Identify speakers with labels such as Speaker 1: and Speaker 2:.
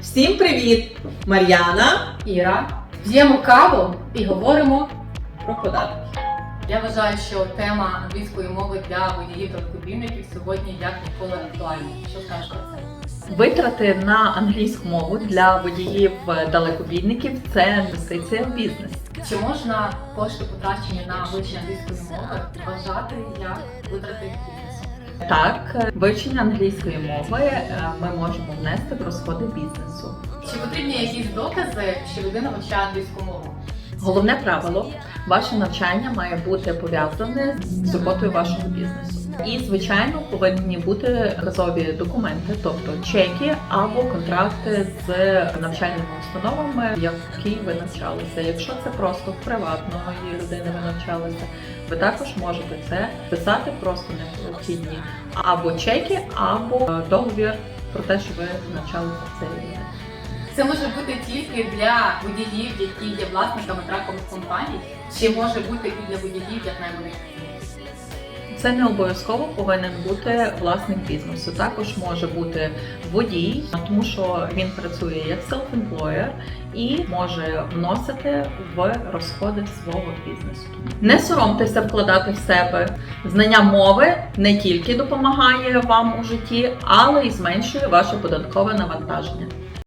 Speaker 1: Всім привіт! Мар'яна,
Speaker 2: Іра. П'ємо каву і говоримо.
Speaker 1: про податки.
Speaker 2: Я вважаю, що тема англійської мови для водіїв та далекобійників сьогодні як ніколи актуальна. Що скажеш про це?
Speaker 3: Витрати на англійську мову для водіїв-далекобійників – це інвестиція в бізнес.
Speaker 2: Чи можна кошти, потрачені на вивчення англійської мови, вважати як витрати бізнесу?
Speaker 3: Так, вивчення англійської мови ми можемо внести в розходи бізнесу.
Speaker 2: Чи потрібні якісь докази, що людина вивчає англійську мову?
Speaker 3: Головне правило – ваше навчання має бути пов'язане з роботою вашого бізнесу. І, звичайно, повинні бути газові документи, тобто чеки або контракти з навчальними установами, в якій ви навчалися. Якщо це просто в приватної людини ви навчалися, ви також можете це писати, просто необхідні або чеки, або договір про те, що ви навчалися в цій людині.
Speaker 2: Це може бути тільки для водіїв, які є власниками тракових компаній, чи може бути і для водіїв як найманих?
Speaker 3: Це не обов'язково повинен бути власник бізнесу. Також може бути водій, тому що він працює як self-employer і може вносити в розходи свого бізнесу. Не соромтеся вкладати в себе. Знання мови не тільки допомагає вам у житті, але й зменшує ваше податкове навантаження.